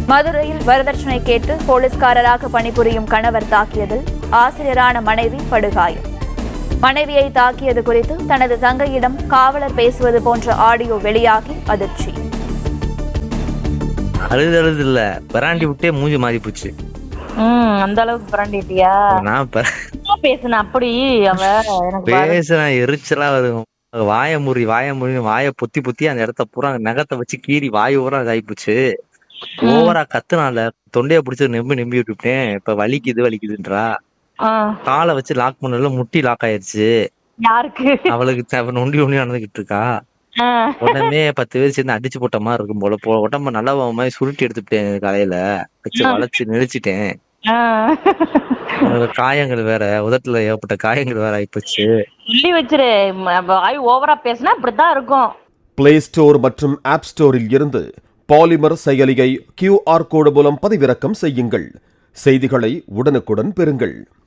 மதுரையில் வரதட்சணை கேட்டு போலீஸ்காரராக பணிபுரியும் கணவர் தாக்கியதில் ஆசிரியரான மனைவி படுகாயம். மனைவியை தாக்கியது குறித்து தனது தங்கையிடம் காவலர் பேசுவது போன்ற ஆடியோ வெளியாகி அதிர்ச்சி. அழுது இல்ல, பராண்டி விட்டே மூஞ்சி மாறி போச்சு. அந்த அளவுக்கு பராண்டிட்டியா? நான் பேசுன அப்படி அவ எனக்கு பேசுன எரிச்சலா வரும். வாய வாய பொத்தி அந்த இடத்த பூரா நகத்தை வச்சு கீறி வாய் ஊரா ஆயிப்போச்சு. ஓவரா கத்துனால தொண்டைய பிடிச்சு நம்பி விட்டுட்டேன். இப்ப வலிக்குதுன்றா. காலை வச்சு லாக் பண்ணல, முட்டி லாக் ஆயிருச்சு. யாருக்கு? அவளுக்கு நொண்டி நடந்துகிட்டு இருக்கா. உடனே 10 பேர் சேர்ந்து அடிச்சு போட்ட மாதிரி இருக்கும் போல. உடம்ப நல்லா மாதிரி சுருட்டி எடுத்துட்டேன். காலையில வச்சு வளைச்சு நெளிச்சிட்டேன். காயங்கள் வேற, உதட்டுல ஏற்பட்ட காயங்கள் வேற ஆயிப்போச்சு. சொல்லி வச்சிரு, வாய் ஓவரா பேசினா இப்படித்தான் இருக்கும். பிளே ஸ்டோர் மற்றும் ஆப் ஸ்டோரில் இருந்து பாலிமர் செயலியை QR கோடு மூலம் பதிவிறக்கம் செய்யுங்கள். செய்திகளை உடனுக்குடன் பெறுங்கள்.